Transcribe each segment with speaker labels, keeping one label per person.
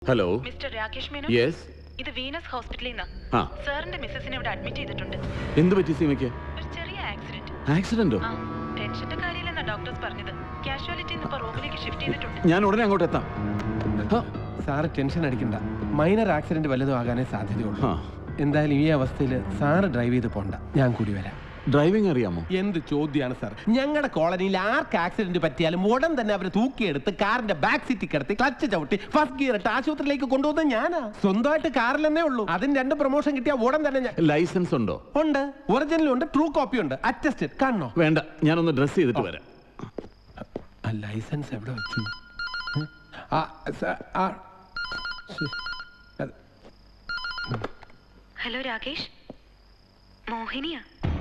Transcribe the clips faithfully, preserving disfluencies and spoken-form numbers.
Speaker 1: Hello
Speaker 2: mister Rakesh Menon.
Speaker 1: Yes.
Speaker 2: ഇത് Venus ഹോസ്പിറ്റലിൽ നിന്ന്.
Speaker 1: ആ.
Speaker 2: സാറിന്റെ മിസ്സസിനെ ഇവിടെ അഡ്മിറ്റ് ചെയ്തിട്ടുണ്ട്.
Speaker 1: എന്ത് പറ്റി സീമയ്ക്ക്?
Speaker 2: ഒരു ചെറിയ ആക്സിഡന്റ്.
Speaker 1: ആക്സിഡന്റോ?
Speaker 2: ആ, ടെൻഷന്റെ കാര്യമില്ലെന്നാ ഡോക്ടേഴ്സ് പറഞ്ഞത്. കാഷ്വാലിറ്റി ഇപ്പോ റൂമിലേക്ക് ഷിഫ്റ്റ് ചെയ്തിട്ടുണ്ട്.
Speaker 1: ഞാൻ ഉടനെ അങ്ങോട്ട് എത്താം.
Speaker 3: സാറ് ടെൻഷൻ അടിക്കണ്ട. മൈനർ ആക്സിഡന്റ് വല്ലതും ആകാനേ സാധ്യതയുള്ളൂ.
Speaker 1: ആ.
Speaker 3: എന്തായാലും ഈ അവസ്ഥയിൽ സാറ് ഡ്രൈവ് ചെയ്ത് പോണ്ട, ഞാൻ കൂടി വരാം.
Speaker 1: ഡ്രൈവിംഗ് അറിയാമോ?
Speaker 3: എന്ത് ചോദ്യമാണ് സാർ? ഞങ്ങളുടെ കോളനിയിൽ ആർക്ക് ആക്സിഡന്റ് പറ്റിയാലും ഉടൻ തന്നെ അവരെ തൂക്കിയെടുത്ത് കാറിന്റെ ബാക്ക് സീറ്റിൽ കിടത്തി ക്ലച്ച് ചവിട്ടി ഫസ്റ്റ് ഗിയർ ഇട്ട് ആശുപത്രിയിലേക്ക് കൊണ്ടുപോകുന്ന ഞാനാ. സ്വന്തമായിട്ട് കാറിലെന്നേ ഉള്ളൂ. അതിന് രണ്ട് പ്രൊമോഷൻ കിട്ടിയ ഉടൻ തന്നെ ഞാൻ.
Speaker 1: ലൈസൻസ് ഉണ്ടോ?
Speaker 3: ഉണ്ട്, ഒറിജിനലും ഉണ്ട്, ട്രൂ കോപ്പി ഉണ്ട്, അറ്റസ്റ്റഡ്. കാണണോ?
Speaker 1: വേണ്ട, ഞാനൊന്ന് ഡ്രസ് ചെയ്തിട്ട് വരാം.
Speaker 3: ലൈസൻസ് എവിടെ വെച്ചു? ആ, സ- ആ, ശരി. അത്
Speaker 2: ഹലോ രാകേഷ്, മോഹിനിയാ.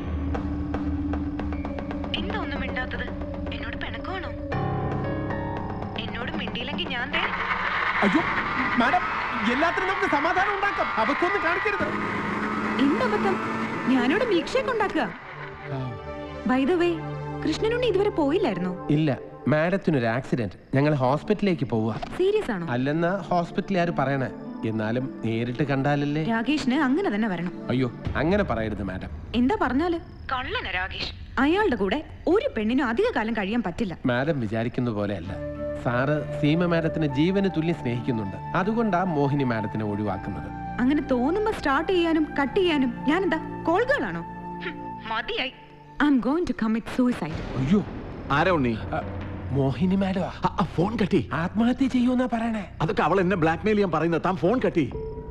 Speaker 2: എന്താ ഒന്നും മിണ്ടാത്തത്? എന്നോട് പിണക്കമാണോ? എന്നോട് മിണ്ടിയില്ലെങ്കിൽ ഞാൻ ദേ.
Speaker 3: അയ്യോ മാഡം, എല്ലാത്തിനും നമുക്ക് സമാധാനം ഉണ്ടാക്കാം. അബദ്ധമൊന്നും കാണിക്കരുത്.
Speaker 4: എന്തബദ്ധം? ഞാനോട് മിൽക്ക് ഷേക്ക് ഉണ്ടാക്കുക. ബൈ ദ വേ, കൃഷ്ണനുണ്ണി ഇതുവരെ പോയില്ലായിരുന്നോ?
Speaker 3: ഇല്ല, മാഡത്തിനൊരു ആക്സിഡന്റ്, ഞങ്ങൾ ഹോസ്പിറ്റലിലേക്ക് പോവുക.
Speaker 4: സീരിയസ് ആണോ?
Speaker 3: അല്ലെന്ന് ഹോസ്പിറ്റലുകാർ പറയണേ. എന്നാലും നേരിട്ട് കണ്ടാലല്ലേ.
Speaker 4: രാകേഷിന് അങ്ങനെ തന്നെ വരണം.
Speaker 3: അയ്യോ അങ്ങനെ പറയരുത് മാഡം.
Speaker 4: എന്താ പറഞ്ഞാല്?
Speaker 2: കള്ളന രാകേഷ്.
Speaker 4: അയാളുടെ കൂടെ ഒരു പെണ്ണിനും അധിക കാലം കഴിയാൻ പറ്റില്ല.
Speaker 3: മാഡം വിചാരിക്കുന്ന പോലെയല്ല. സാറ് സീമ മാഡത്തിനെ ജീവന് തുല്യം സ്നേഹിക്കുന്നുണ്ട്. അതുകൊണ്ടാ മോഹിനി മാഡത്തിനെ ഒഴിവാക്കുന്നത്.
Speaker 4: അങ്ങനെ തോന്നുമ്പോ സ്റ്റാർട്ട് ചെയ്യാനും കട്ട് ചെയ്യാനും ഞാൻ എന്താ കോൾകളാണോ?
Speaker 2: മതിയായി.
Speaker 4: I'm going to commit suicide.
Speaker 3: അയ്യോ,
Speaker 1: ആരാ ഉണ്ണി?
Speaker 3: മോഹിനി മാഡം
Speaker 1: ഫോൺ കട്ടി.
Speaker 3: ആത്മഹത്യ ചെയ്യുമെന്നാ പറയണേ.
Speaker 1: അതൊക്കെ അവൾ എന്നെ ബ്ലാക്ക് മെയിൽ ചെയ്യാൻ പറയുന്നത്. താൻ ഫോൺ കട്ടി.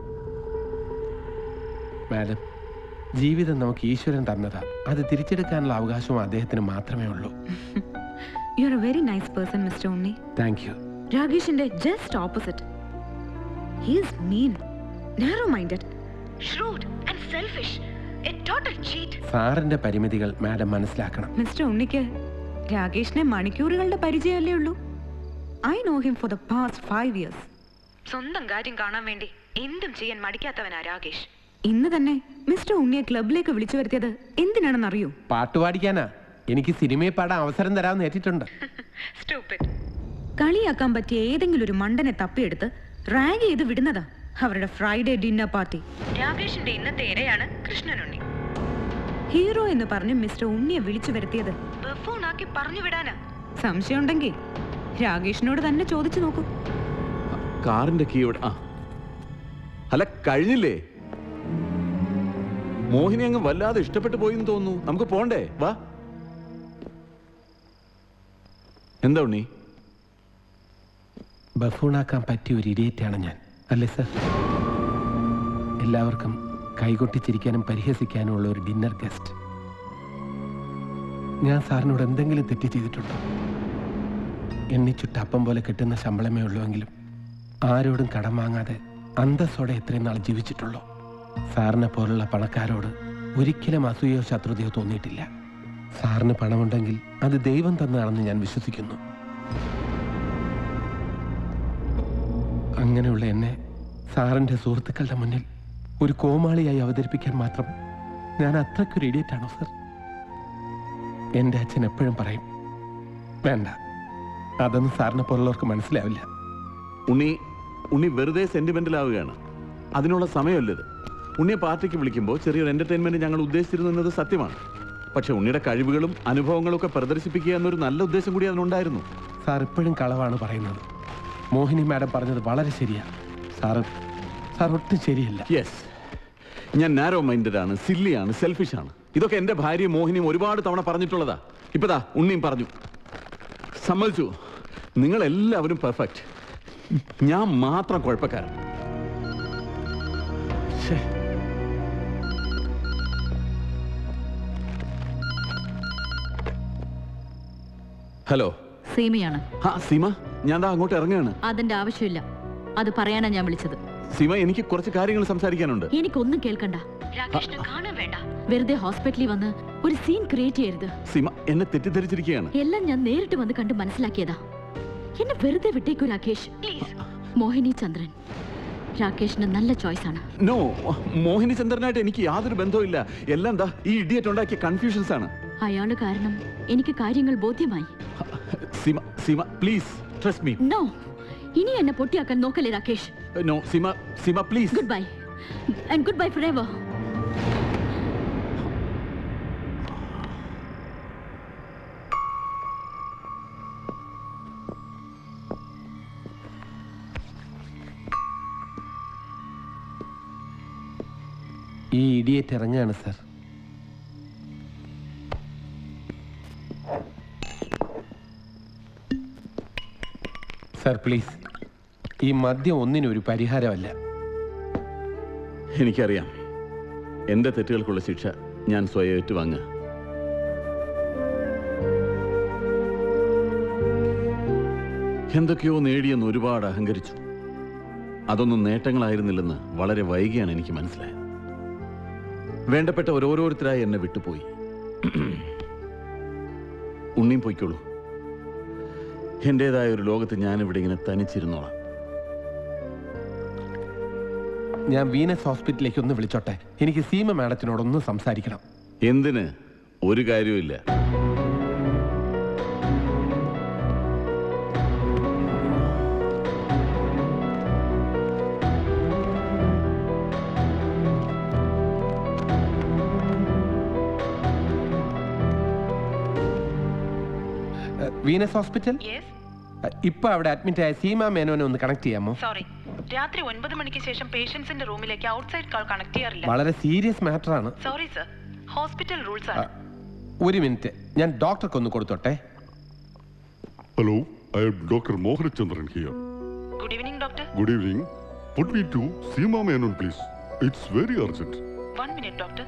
Speaker 3: മാഡം, ജീവിതം നമുക്ക് ഈശ്വരൻ തന്നതാ. അത് തിരിച്ചെടുക്കാനുള്ള അവകാശവും അദ്ദേഹത്തിന് മാത്രമേ ഉള്ളൂ.
Speaker 4: You are a very nice person mister Unni.
Speaker 3: Thank you.
Speaker 4: രാകേഷിന്റെ just opposite. He is mean, narrow minded,
Speaker 2: shrewd and selfish, a total cheat.
Speaker 3: സാറിന്റെ പരിമിതികൾ മാഡം മനസ്സിലാക്കണം.
Speaker 4: മിസ്റ്റർ ഉണ്ണിക്ക് രാകേഷിനെ മണിക്കൂറുകളുടെ പരിചയമല്ലേ ഉള്ളൂ. I know him for the past five years.
Speaker 2: സ്വന്തം കാര്യം കാണാൻ വേണ്ടി എന്തും ചെയ്യാൻ മടിക്കാത്തവനാ രാകേഷ്.
Speaker 4: ഇന്ന് തന്നെ മിസ്റ്റർ ഉണ്ണിയെ ക്ലബിലേക്ക് വിളിച്ചു വരുത്തിയത് എന്തിനാണെന്ന് അറിയൂ?
Speaker 3: പാട്ടുപാടിക്കാനാ. എനിക്ക് സിനിമയിൽ പാടാൻ അവസരം തരാമെന്ന് ഏറ്റിട്ടുണ്ട്.
Speaker 2: Stupid.
Speaker 4: കളിയാക്കാൻ പറ്റിയ ഏതെങ്കിലും ഒരു മണ്ടനെ തപ്പിയെടുത്ത് റാഗ് ചെയ്ത് വിടുന്നതാ അവരുടെ ഫ്രൈഡേ ഡിന്നർ പാർട്ടി.
Speaker 2: രാകേഷിന്റെ ഇന്നത്തെ ഇരയാണ് കൃഷ്ണനുണ്ണി.
Speaker 4: ഹീറോ എന്ന് പറഞ്ഞ് മിസ്റ്റർ ഉണ്ണിയെ വിളിച്ചു വരുത്തിയത്
Speaker 2: ബഫൂണാക്കി പറഞ്ഞു വിടാനാ.
Speaker 4: സംശയമുണ്ടെങ്കിൽ രാകേഷിനോട് തന്നെ ചോദിച്ചു നോക്കൂ.
Speaker 1: കാറിന്റെ കീ ഇവിടെ. ആ, അല്ല കഴിഞ്ഞില്ലേ? മോഹിനി അങ്ങ് വല്ലാതെ ഇഷ്ടപ്പെട്ടു പോയിന്ന് തോന്നുന്നു. നമുക്ക് പോണ്ടേ? വാ. എന്താ ഉണ്ണി?
Speaker 3: ബഫൂണാക്കാൻ പറ്റിയ ഒരു ഇഡിയറ്റാണ് ഞാൻ, അല്ലേ സർ? എല്ലാവർക്കും കൈകൊട്ടിച്ചിരിക്കാനും പരിഹസിക്കാനും ഉള്ള ഒരു ഡിന്നർ ഗസ്റ്റ്. ഞാൻ സാറിനോട് എന്തെങ്കിലും തെറ്റ് ചെയ്തിട്ടുണ്ടോ? എണ്ണിച്ചുട്ട അപ്പം പോലെ കിട്ടുന്ന ശമ്പളമേ ഉള്ളുവെങ്കിലും ആരോടും കടം വാങ്ങാതെ അന്തസ്സോടെ എത്രയും നാൾ ജീവിച്ചിട്ടുള്ളൂ. സാറിനെ പോലുള്ള പണക്കാരോട് ഒരിക്കലും അസൂയോ ശത്രുതയോ തോന്നിയിട്ടില്ല. സാറിന് പണമുണ്ടെങ്കിൽ അത് ദൈവം തന്നതാണെന്ന് ഞാൻ വിശ്വസിക്കുന്നു. അങ്ങനെയുള്ള എന്നെ സാറിൻ്റെ സുഹൃത്തുക്കളുടെ മുന്നിൽ ഒരു കോമാളിയായി അവതരിപ്പിക്കാൻ മാത്രം ഞാൻ അത്രയ്ക്കൊരു ഇഡിയറ്റാണോ സർ? എൻ്റെ അച്ഛൻ എപ്പോഴും പറയും, വേണ്ട, അതൊന്നും സാറിനെ പോലുള്ളവർക്ക് മനസ്സിലാവില്ല.
Speaker 1: ഉണ്ണി ഉണ്ണി വെറുതെ സെന്റിമെന്റൽ ആവുകയാണ്. അതിനുള്ള സമയമല്ലത്. ഉണ്ണിയെ പാർട്ടിക്ക് വിളിക്കുമ്പോൾ ചെറിയൊരു എന്റർടൈൻമെന്റ് ഞങ്ങൾ ഉദ്ദേശിച്ചിരുന്നു എന്നത് സത്യമാണ്. പക്ഷെ ഉണ്ണിയുടെ കഴിവുകളും അനുഭവങ്ങളും ഒക്കെ പ്രദർശിപ്പിക്കുക എന്നൊരു നല്ല ഉദ്ദേശം കൂടി അതിനുണ്ടായിരുന്നു.
Speaker 3: സാർ എപ്പോഴും കളവാണ് പറയുന്നത്. മോഹിനി മാഡം പറഞ്ഞത് വളരെ ശരിയാണ്. സാറ് സാർ ഒട്ടും ശരിയല്ല.
Speaker 1: യെസ്, ഞാൻ നാരോ മൈൻഡഡ് ആണ്, സില്ലിയാണ്, സെൽഫിഷ് ആണ്. ഇതൊക്കെ എൻ്റെ ഭാര്യയും മോഹിനിയും ഒരുപാട് തവണ പറഞ്ഞിട്ടുള്ളതാ. ഇപ്പതാ ഉണ്ണിയും പറഞ്ഞു. സമ്മതിച്ചു, നിങ്ങൾ എല്ലാവരും പെർഫെക്റ്റ്, ഞാൻ മാത്രം കുഴപ്പക്കാരൻ. ഹലോ,
Speaker 5: സീമയാണ്.
Speaker 1: ആ സീമ, ഞാൻ ദാ അങ്ങോട്ട് ഇറങ്ങുകയാണ്.
Speaker 5: അതിന്റെ ആവശ്യമില്ല, അത് പറയാനാ ഞാൻ വിളിച്ചത്.
Speaker 1: സീമ, എനിക്ക് കുറച്ച് കാര്യങ്ങൾ സംസാരിക്കാനുണ്ട്.
Speaker 5: എനിക്കൊന്നും കേൾക്കണ്ട.
Speaker 2: രാകേഷിനെ കാണാൻ വേണ്ട.
Speaker 5: വെറുതെ ഹോസ്പിറ്റലിൽ വന്ന് ഒരു സീൻ ക്രിയേറ്റ് ചെയ്യരുത്.
Speaker 1: സീമ എന്നെ തെറ്റിദ്ധരിച്ചിരിക്കുകയാണ്.
Speaker 5: എല്ലാം ഞാൻ നേരിട്ട് വന്ന് കണ്ട് മനസ്സിലാക്കിയതാ. എന്നെ വെറുതെ വിട്ടേക്കൂ രാകേഷ്.
Speaker 2: പ്ലീസ്.
Speaker 5: മോഹിനി ചന്ദ്രൻ രാകേഷിന് നല്ല ചോയ്സ് ആണ്.
Speaker 1: നോ, മോഹിനി ചന്ദ്രനായിട്ട് എനിക്ക് യാതൊരു ബന്ധവുമില്ല. എല്ലാം എന്താ ഈ ഇഡിയറ്റ് ഉണ്ടാക്കിയ കൺഫ്യൂഷൻസ് ആണ്.
Speaker 5: അയാള് കാരണം എനിക്ക് കാര്യങ്ങൾ ബോധ്യമായി.
Speaker 1: Seema, Seema please trust me.
Speaker 5: No, ഇനി എന്നെ പൊട്ടിയാക്കാൻ നോക്കല്ലേ Rakesh.
Speaker 1: No Seema Seema please.
Speaker 5: Goodbye and goodbye forever.
Speaker 3: ഈ ഇഡിയറ്റ് ഇറങ്ങുകയാണ് സർ. സർ പ്ലീസ്, ഈ മദ്യം ഒന്നിനും ഒരു പരിഹാരമല്ല.
Speaker 1: എനിക്കറിയാം, എൻ്റെ തെറ്റുകൾക്കുള്ള ശിക്ഷ ഞാൻ സ്വയം ഏറ്റുവാങ്ങുക. എന്തൊക്കെയോ നേടിയെന്ന് ഒരുപാട് അഹങ്കരിച്ചു. അതൊന്നും നേട്ടങ്ങളായിരുന്നില്ലെന്ന് വളരെ വൈകിയാണ് എനിക്ക് മനസ്സിലായത്. വേണ്ടപ്പെട്ട ഓരോരുത്തരായി എന്നെ വിട്ടുപോയി. ഉണ്ണിയും പോയിക്കോളൂ. എൻ്റെതായ ഒരു ലോകത്ത് ഞാനിവിടെ ഇങ്ങനെ തനിച്ചിരുന്നോളാം.
Speaker 3: ഞാൻ വീനസ് ഹോസ്പിറ്റലിലേക്ക് ഒന്ന് വിളിച്ചോട്ടെ? എനിക്ക് സീമ മാഡത്തിനോടൊന്ന് സംസാരിക്കണം.
Speaker 1: എന്തിന്? ഒരു കാര്യവുമില്ല.
Speaker 3: Venus hospital? ഇപ്പൊ അവിടെ അഡ്മിറ്റ് ആയ സീമ മേനോനെ ഒന്ന് കണക്ട് ചെയ്യാമോ?
Speaker 2: സോറി, രാത്രി ഒൻപത് മണിക്ക് ശേഷം പേഷ്യൻസിന്റെ റൂമിലേക്ക് ഔട്ട്സൈഡ് കോൾ കണക്ട് ചെയ്യാറില്ല.
Speaker 3: വളരെ സീരിയസ് മാറ്റർ ആണ്.
Speaker 2: സോറി സർ, ഹോസ്പിറ്റൽ റൂൾസ് ആണ്.
Speaker 3: ഒരു മിനിറ്റ്, ഞാൻ ഡോക്ടർക്ക് ഒന്ന് കൊടുത്തോട്ടെ.
Speaker 6: Hello, I am Doctor Mohan Chandran here.
Speaker 2: Good evening doctor.
Speaker 6: Good evening. Put me to Seema Menon, please. It's very urgent.
Speaker 2: One minute doctor.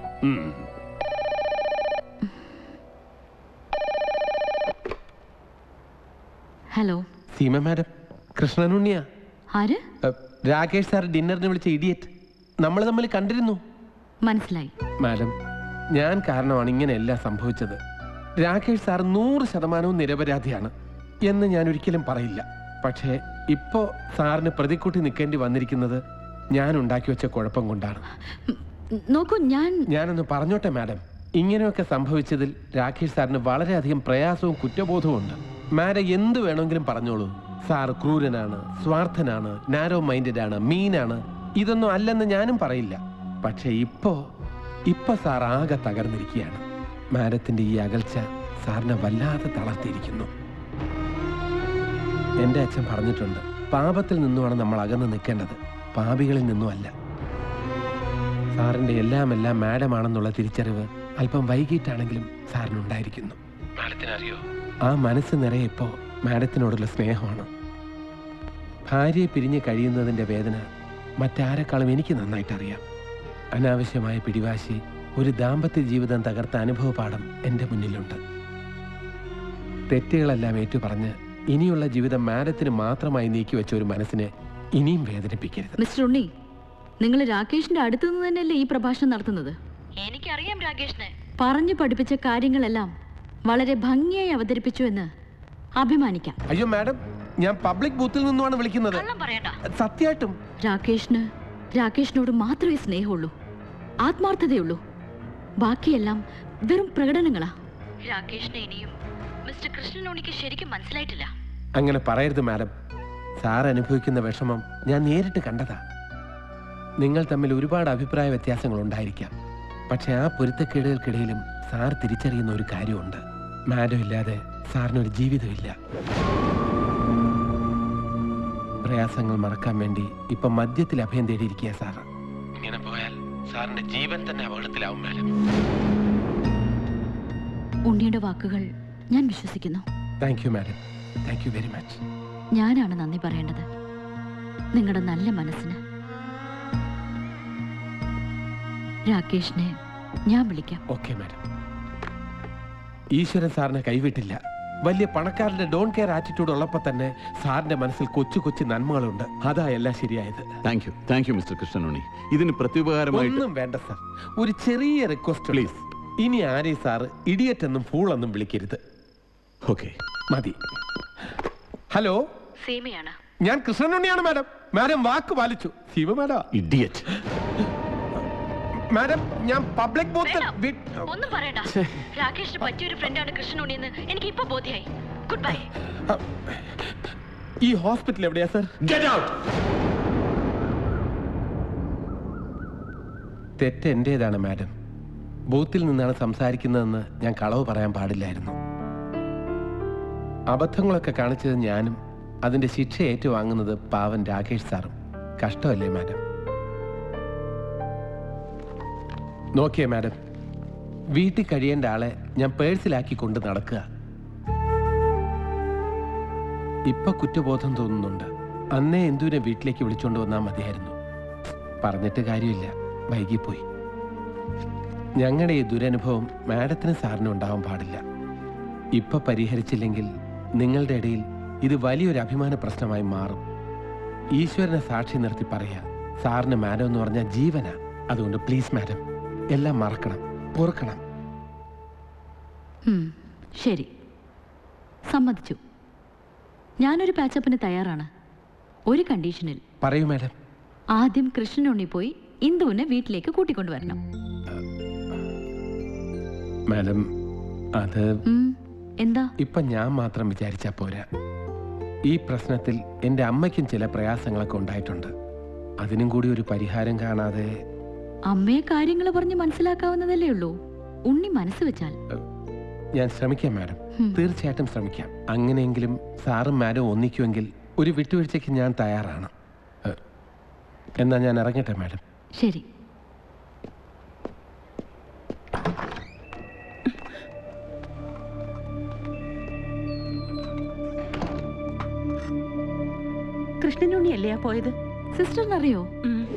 Speaker 5: Hello.
Speaker 3: Seema madam, കൃഷ്ണനുണ്ണിയാ.
Speaker 5: ആര്?
Speaker 3: Rakesh sir ഡിന്നറിന് വിളിച്ച idiot. നമ്മൾ തമ്മിൽ കണ്ടിരുന്നു.
Speaker 5: മനസ്സിലായി.
Speaker 3: മാഡം, ഞാൻ കാരണമാണ് ഇങ്ങനെയെല്ലാം സംഭവിച്ചത്. രാകേഷ് സാർ നൂറ് ശതമാനവും നിരപരാധിയാണ് എന്ന് ഞാൻ ഒരിക്കലും പറയില്ല. പക്ഷേ ഇപ്പോ സാറിന് പ്രതിക്കൂട്ടി നിൽക്കേണ്ടി വന്നിരിക്കുന്നത് ഞാൻ ഉണ്ടാക്കി വെച്ച കുഴപ്പം കൊണ്ടാണ്.
Speaker 5: നോക്കൂ, ഞാൻ
Speaker 3: ഞാനൊന്ന് പറഞ്ഞോട്ടെ മാഡം. ഇങ്ങനെയൊക്കെ സംഭവിച്ചതിൽ രാകേഷ് സാറിന് വളരെയധികം പ്രയാസവും കുറ്റബോധവും ഉണ്ട്. മാഡം എന്ത് വേണമെങ്കിലും പറഞ്ഞോളൂ. സാർ ക്രൂരനാണ്, സ്വാർത്ഥനാണ്, നാരോ മൈൻഡഡ് ആണ്, മീനാണ്. ഇതൊന്നും അല്ലെന്ന് ഞാനും പറയില്ല. പക്ഷെ ഇപ്പോ ഇപ്പൊ സാർ ആകെ തകർന്നിരിക്കുകയാണ്. മാഡത്തിന്റെ ഈ അകൽച്ച സാറിനെ വല്ലാതെ തളർത്തിയിരിക്കുന്നു. എൻ്റെ അച്ഛൻ പറഞ്ഞിട്ടുണ്ട്, പാപത്തിൽ നിന്നുമാണ് നമ്മൾ അകന്ന് നിൽക്കേണ്ടത്, പാപികളിൽ നിന്നുമല്ല. സാറിന്റെ എല്ലാം എല്ലാം മാഡമാണെന്നുള്ള തിരിച്ചറിവ് അല്പം വൈകിട്ടാണെങ്കിലും സാറിനുണ്ടായിരിക്കുന്നു. മാഡത്തിനറിയോ, ആ മനസ്സ് നിറയെ ഇപ്പോ മാഡത്തിനോടുള്ള സ്നേഹമാണ്. ഭാര്യയെ പിരിഞ്ഞ് കഴിയുന്നതിൻ്റെ വേദന മറ്റാരെക്കാളും എനിക്ക് നന്നായിട്ടറിയാം. അനാവശ്യമായ പിടിവാശി ഒരു ദാമ്പത്യ ജീവിതം തകർത്ത അനുഭവപാഠം എൻ്റെ മുന്നിലുണ്ട്. തെറ്റുകളെല്ലാം ഏറ്റുപറഞ്ഞ് ഇനിയുള്ള ജീവിതം മാഡത്തിന് മാത്രമായി നീക്കിവെച്ച ഒരു മനസ്സിനെ ഇനിയും വേദനിപ്പിക്കരുത്.
Speaker 5: മിസ്റ്റർ ഉണ്ണി, നിങ്ങൾ രാകേഷിന്റെ അടുത്തു നിന്ന് തന്നെയല്ലേ ഈ പ്രഭാഷണം നടത്തുന്നത്? എനിക്കറിയാം രാകേഷിനെ. പറഞ്ഞു പഠിപ്പിച്ച കാര്യങ്ങളെല്ലാം വളരെ ഭംഗിയായി അവതരിപ്പിച്ചു എന്ന് അഭിമാനിക്കാം.
Speaker 3: അയ്യോ മാഡം, ഞാൻ പബ്ലിക് ബൂത്തിൽ നിന്നുമാണ് വിളിക്കുന്നത്. സത്യമായിട്ടും
Speaker 5: രാകേഷിന് രാകേഷിനോട് മാത്രമേ സ്നേഹമുള്ളൂ, ആത്മാർത്ഥതയുള്ളൂ. ബാക്കിയെല്ലാം വെറും പ്രകടനങ്ങളാ. രാകേഷിനെ ഇനിയും മിസ്റ്റർ കൃഷ്ണനുണ്ണിക്ക് ശരിക്കും മനസ്സിലായിട്ടില്ല.
Speaker 3: അങ്ങനെ പറയരുത് മാഡം. സാർ അനുഭവിക്കുന്ന വിഷമം ഞാൻ നേരിട്ട് കണ്ടതാ. നിങ്ങൾ തമ്മിൽ ഒരുപാട് അഭിപ്രായ വ്യത്യാസങ്ങൾ ഉണ്ടായിരിക്കാം. പക്ഷെ ആ പൊരുത്തക്കേടുകൾക്കിടയിലും സാർ തിരിച്ചറിയുന്ന ഒരു കാര്യമുണ്ട്. മാഡം ഇല്ലാതെ സാറിനൊരു ജീവിതമില്ല. പ്രയാസങ്ങൾ മറക്കാൻ വേണ്ടി ഇപ്പൊ മദ്യത്തിൽ അഭയം തേടിയിരിക്കുക സാറ്. ഇങ്ങനെ പോയാൽ സാറിന്റെ ജീവൻ തന്നെ അപകടത്തിലാവും മാഡം.
Speaker 5: ഉണ്ണിയുടെ വാക്കുകൾ ഞാൻ വിശ്വസിക്കുന്നു.
Speaker 3: Thank you madam, thank you very much.
Speaker 5: ഞാനാണ് നന്ദി പറയേണ്ടത് നിങ്ങളുടെ നല്ല മനസ്സിന്. രാകേഷിനെ ഞാൻ വിളിക്കാം.
Speaker 3: Okay madam. ഈശ്വരൻ സാറിനെ കൈവിട്ടില്ല. വലിയ പണക്കാരന്റെ ഡോൺ കെയർ ആറ്റിറ്റ്യൂഡ് ഉള്ളപ്പോൾ തന്നെ സാറിന്റെ മനസ്സിൽ കൊച്ചു കൊച്ചു നന്മകളുണ്ട്. അതാ എല്ലാം ശരിയായത്.
Speaker 1: Thank you thank you mister Krishnanunni. ഇതിന് പ്രത്യുപകാരമായിട്ട്
Speaker 3: ഒന്നും വേണ്ട സാർ. ഒരു ചെറിയ റിക്വസ്റ്റ് പ്ലീസ്. ഇനി ആരെയും സാറ് ഇഡിയറ്റ് എന്നും ഫൂൾ എന്നും വിളിക്കരുത്.
Speaker 1: ഓക്കെ,
Speaker 3: മതി. ഹലോ,
Speaker 5: സീമയാണ്.
Speaker 3: ഞാൻ കൃഷ്ണനുണ്ണിയാണ് മാഡം. മാഡം വാക്ക് പാലിച്ചു. ശിവ മാഡം.
Speaker 1: ഇഡിയറ്റ്.
Speaker 3: മാഡം, ഞാൻ പബ്ലിക് ബൂത്തിൽ
Speaker 5: ഒന്നും പറയണ്ട. രാകേഷിന് പറ്റിയൊരു ഫ്രണ്ടാണ് കൃഷ്ണനുണ്ണി എന്ന് എനിക്ക് ഇപ്പൊ ബോധ്യായി. Goodbye.
Speaker 3: ഈ ഹോസ്പിറ്റൽ എവിടെയാ സർ?
Speaker 1: Get out.
Speaker 3: തെറ്റ് എൻ്റേതാണ് മാഡം. ബൂത്തിൽ നിന്നാണ് സംസാരിക്കുന്നതെന്ന് ഞാൻ കളവ് പറയാൻ പാടില്ലായിരുന്നു. അബദ്ധങ്ങളൊക്കെ കാണിച്ചത് ഞാനും അതിൻ്റെ ശിക്ഷ ഏറ്റുവാങ്ങുന്നത് പാവൻ രാകേഷ് സാറും. കഷ്ടമല്ലേ മാഡം? നോക്കിയേ മാഡം, വീട്ടിൽ കഴിയേണ്ട ആളെ ഞാൻ പേഴ്സിലാക്കി കൊണ്ട് നടക്കുക. ഇപ്പൊ കുറ്റബോധം തോന്നുന്നുണ്ട്. അന്നേ എന്തുവിനെ വീട്ടിലേക്ക് വിളിച്ചോണ്ട് വന്നാൽ മതിയായിരുന്നു. പറഞ്ഞിട്ട് കാര്യമില്ല, വൈകിപ്പോയി. ഞങ്ങളുടെ ഈ ദുരനുഭവം മാഡത്തിന് സാറിനും ഉണ്ടാവാൻ പാടില്ല. ഇപ്പൊ പരിഹരിച്ചില്ലെങ്കിൽ നിങ്ങളുടെ ഇടയിൽ ഇത് വലിയൊരു അഭിമാന പ്രശ്നമായി മാറും. ഈശ്വരനെ സാക്ഷി നിർത്തി പറയാ, സാറിന് മാഡം എന്ന് പറഞ്ഞാൽ ജീവനാ. അതുകൊണ്ട് പ്ലീസ് മാഡം, എല്ലാം മറക്കണം, ഓർക്കണം.
Speaker 5: ഉം, ശരി, സമ്മതിച്ചു. ഞാനൊരു പാച്ചപ്പിന് തയ്യാറാണ്. ഒരു കണ്ടീഷനിൽ.
Speaker 3: പറയൂ മാഡം.
Speaker 5: ആദ്യം കൃഷ്ണനുണ്ണി പോയി ഇന്ദുവിനെ വീട്ടിലേക്ക് കൂട്ടിക്കൊണ്ടുവരണം.
Speaker 3: മാഡം, അത്
Speaker 5: ഉം, എന്താ?
Speaker 3: ഇപ്പൊ ഞാൻ മാത്രം വിചാരിച്ചാ പോരാ. ഈ പ്രശ്നത്തിൽ എൻ്റെ അമ്മയ്ക്കും ചില പ്രയാസങ്ങളൊക്കെ ഉണ്ടായിട്ടുണ്ട്. അതിനും കൂടി ഒരു പരിഹാരം കാണാതെ.
Speaker 5: അമ്മയെ കാര്യങ്ങൾ പറഞ്ഞ് മനസ്സിലാക്കാവുന്നതല്ലേ ഉള്ളൂ. ഉണ്ണി മനസ്സ് വെച്ചാൽ.
Speaker 3: ഞാൻ ശ്രമിക്കാം മാഡം, തീർച്ചയായിട്ടും ശ്രമിക്കാം. അങ്ങനെയെങ്കിലും സാറും മാഡം ഒന്നിക്കുമെങ്കിൽ ഒരു വിട്ടുവീഴ്ചയ്ക്ക് ഞാൻ തയ്യാറാണ്. എന്നാ ഞാൻ ഇറങ്ങട്ടെ മാഡം.
Speaker 5: ശരി.
Speaker 4: കൃഷ്ണനുണ്ണിയല്ലേ പോയത്?
Speaker 5: സിസ്റ്ററിനറിയോ?
Speaker 4: ഉം.